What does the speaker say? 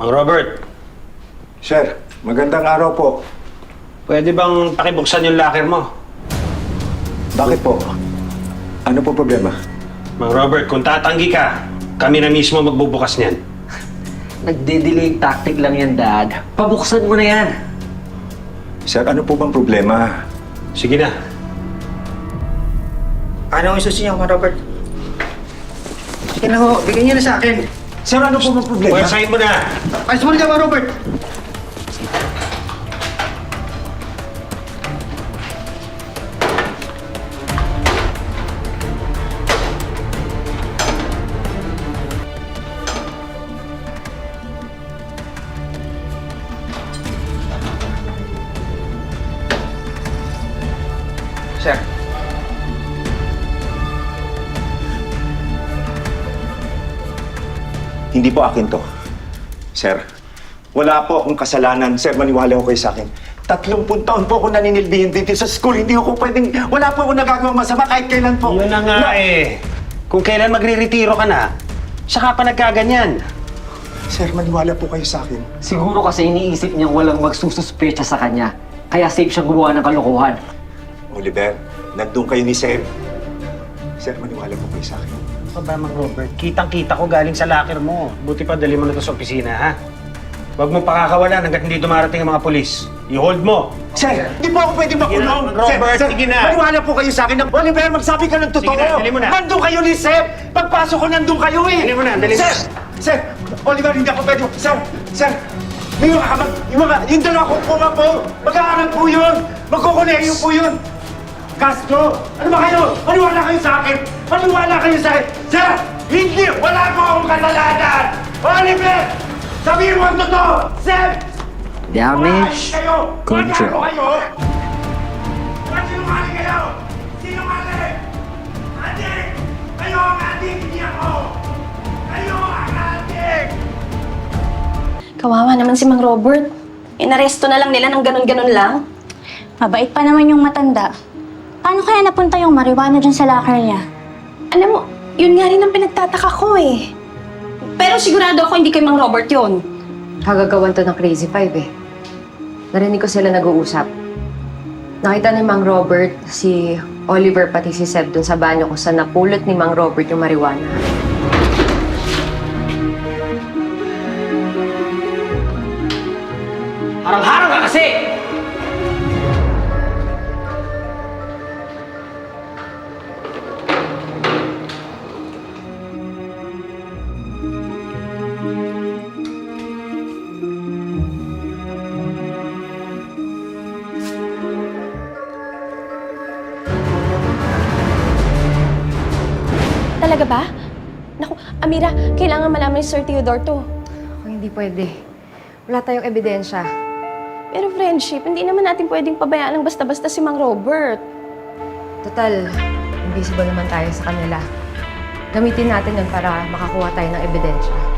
Mang Robert, Sir, magandang araw po. pwede bang pakibuksan yung locker mo? Bakit po? Ano po problema? Mang Robert, kung tatanggi ka, kami na mismo magbubukas niyan. Nagde-delay tactic lang yan, Dad. Pabuksan mo na yan. Sir, ano po bang problema? Sige na. Ano ang isusin niyo, Mang Robert? Sige na ho, bigyan niyo na sa akin. Sir, ano po bang problema? Pwersahin mo na! Ayos mo na dyan, Mang Robert! Sir. Hindi po akin to. Sir, wala po akong kasalanan. Sir, maniwala ko kayo sa akin. 30 taon po ako naninilbihin dito sa school. Hindi ako pwedeng... Wala po ako nagagawang masama kahit kailan po. Yun na nga eh. Kung kailan magre-retiro ka na, saka pa nagkaganyan. Sir, maniwala po kayo sa akin. Siguro kasi iniisip niyang walang magsususpecha sa kanya. Kaya safe siyang gumawa ng kalokohan. Oliver, nandun kayo ni Sir. Sir, maniwala po kayo sa akin. Ano ba, Mang Robert? Kitang-kita ko galing sa locker mo. Buti pa dali mo na to sa opisina, ha? Huwag mo pakakawalan hanggat hindi dumarating ang mga polis. I-hold mo. Sir, di po ako pwedeng makulong. Sige na, Robert, Sir, sige na. Maniwala po kayo sa akin. Oliver, magsabi ka ng totoo. Sige na, dali mo na. Nandun kayo ni Sir. Pagpasok ko, nandun kayo eh. Dali mo na, dali mo. Sir, Sir, Oliver, hindi ako pwede. Sir, yung dalawa ko po nga po. Mag-aaral po yun. Magkukuleyo po yun. Castro, ano ba kayo? Maniwala kayo sa akin. Maniwala kayo sa akin. Sir, hindi. Wala po akong kasalanan. Oliver, sabihin mo ang totoo. Sir, Damage control. Ba't sinungaling kayo? Sinungaling! Adik! Kayo ang adik, hindi ako! Kayo ang adik! Kawawa naman si Mang Robert. Inaresto na lang nila ng ganun-ganun lang. Mabait pa naman yung matanda. Paano kaya napunta yung marijuana dyan sa locker niya? Alam mo, yun nga rin ang pinagtataka ko eh. Pero sigurado ako hindi kay Mang Robert yun. Kagagawan to ng Crazy Five eh. Narinig ko sila nag-uusap. Nakita ni Mang Robert, si Oliver pati si Seb dun sa banyo kung saan napulot ni Mang Robert yung marijuana. Harang-harang ka kasi! Talaga ba? Naku, Amira, kailangan malaman ni Sir Theodore to. O hindi pwede. Wala tayong ebidensya. Pero friendship, hindi naman natin pwedeng pabayaan ng basta-basta si Mang Robert. Total, invisible naman tayo sa kanila. Gamitin natin yun para makakuha tayo ng ebidensya.